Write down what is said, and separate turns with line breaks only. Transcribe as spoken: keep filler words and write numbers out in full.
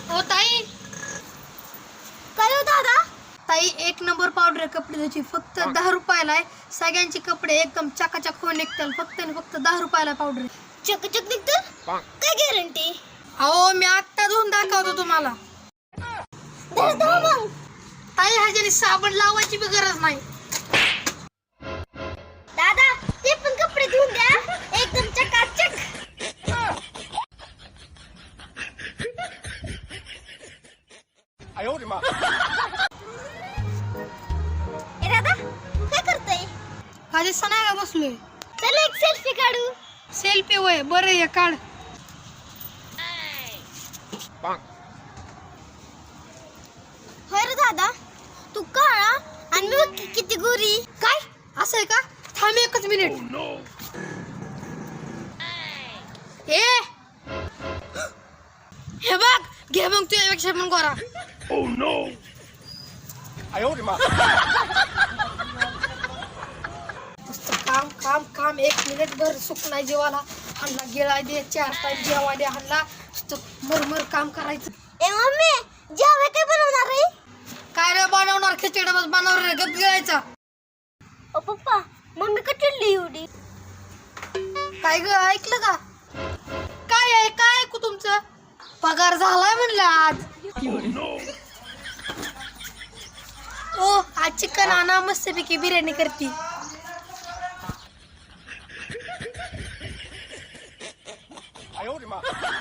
हो ताई.
काय हो दादा?
ताई एक नंबर पावडर आहे कपडे त्याची, फक्त दहा रुपयाला आहे. सगळ्यांचे कपडे एकदम चकाचक होऊन निघतात. फक्त आणि फक्त दहा रुपयाला पावडर.
चकचक निघतं? काय गॅरंटी?
अहो मी आत्ता धुवून दाखवतो तुम्हाला.
धर धर मग.
ताई ह्याच्याने साबण लावायची बी गरज नाही.
दादा ते पण कपडे धुवून द्या, एकदम चकाचक. ए दादा काय करतोय?
माझे सणाय का बसलोय.
चल एक सेल्फी काढू.
सेल्फी वय बरं आहे काढ.
होय रे दादा, तू काळा आणि मी बघ किती गोरी.
काय असं आहे का? थांब एकच मिनिट. ए हे बघ घे मग तुझ्यापेक्षा पण गोरा. काम काम काम एक मिनिट भर सुख नाही जेवाला. हल्ला गेला दे चार टाइम जेवा दे हल्ला मरमर काम करायचं.
ए मम्मी जेवण काय बनवणार आहे?
काय रे बनवणार खिचडी बस बनवणार रे गप गिळायचा.
ओ पप्पा मम्मी का चिडली एवढी?
काय ग ऐकलं का? काय आहे काय ऐकू तुमचं? पगार झालाय म्हणलं आज. ओ आज चिकन आणा मस्तपैकी बिर्याणी करती.
I owed him up.